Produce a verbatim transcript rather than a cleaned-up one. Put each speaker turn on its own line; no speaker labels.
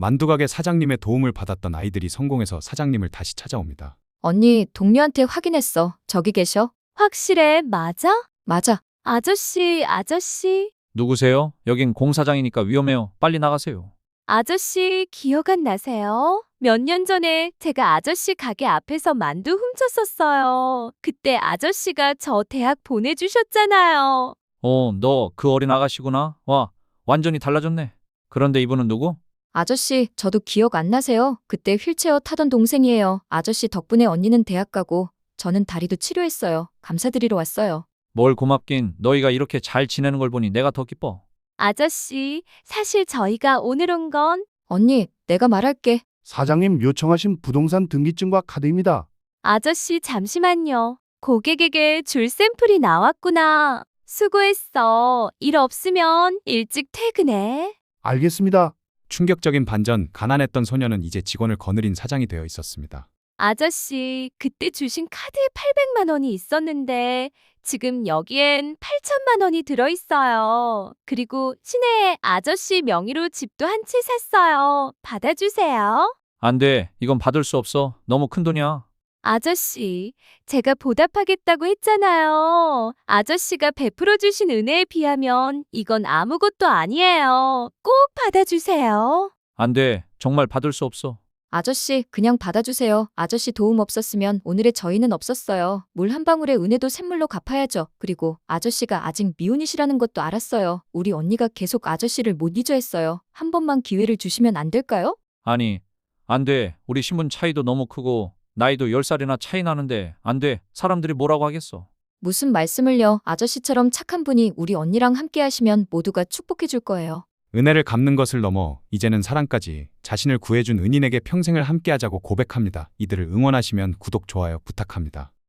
만두가게 사장님의 도움을 받았던 아이들이 성공해서 사장님을 다시 찾아옵니다.
언니, 동료한테 확인했어. 저기 계셔.
확실해, 맞아?
맞아.
아저씨, 아저씨.
누구세요? 여긴 공사장이니까 위험해요. 빨리 나가세요.
아저씨, 기억 안 나세요? 몇 년 전에 제가 아저씨 가게 앞에서 만두 훔쳤었어요. 그때 아저씨가 저 대학 보내주셨잖아요.
어, 너 그 어린 아가씨구나. 와, 완전히 달라졌네. 그런데 이분은 누구?
아저씨, 저도 기억 안 나세요? 그때 휠체어 타던 동생이에요. 아저씨 덕분에 언니는 대학 가고 저는 다리도 치료했어요. 감사드리러 왔어요.
뭘 고맙긴. 너희가 이렇게 잘 지내는 걸 보니 내가 더 기뻐.
아저씨, 사실 저희가 오늘 온 건
언니, 내가 말할게.
사장님 요청하신 부동산 등기증과 카드입니다.
아저씨 잠시만요. 고객에게 줄 샘플이 나왔구나. 수고했어. 일 없으면 일찍 퇴근해.
알겠습니다.
충격적인 반전, 가난했던 소녀는 이제 직원을 거느린 사장이 되어 있었습니다.
아저씨, 그때 주신 카드에 팔백만 원이 있었는데 지금 여기엔 팔천만 원이 들어있어요. 그리고 시내에 아저씨 명의로 집도 한 채 샀어요. 받아주세요.
안 돼. 이건 받을 수 없어. 너무 큰 돈이야.
아저씨, 제가 보답하겠다고 했잖아요. 아저씨가 베풀어 주신 은혜에 비하면 이건 아무것도 아니에요. 꼭 받아주세요.
안 돼. 정말 받을 수 없어.
아저씨, 그냥 받아주세요. 아저씨 도움 없었으면 오늘의 저희는 없었어요. 물 한 방울의 은혜도 샘물로 갚아야죠. 그리고 아저씨가 아직 미혼이시라는 것도 알았어요. 우리 언니가 계속 아저씨를 못 잊어 했어요. 한 번만 기회를 주시면 안 될까요?
아니, 안 돼. 우리 신분 차이도 너무 크고 나이도 열 살이나 차이 나는데 안 돼. 사람들이 뭐라고 하겠어.
무슨 말씀을요. 아저씨처럼 착한 분이 우리 언니랑 함께 하시면 모두가 축복해 줄 거예요.
은혜를 갚는 것을 넘어 이제는 사랑까지 자신을 구해준 은인에게 평생을 함께하자고 고백합니다. 이들을 응원하시면 구독, 좋아요 부탁합니다.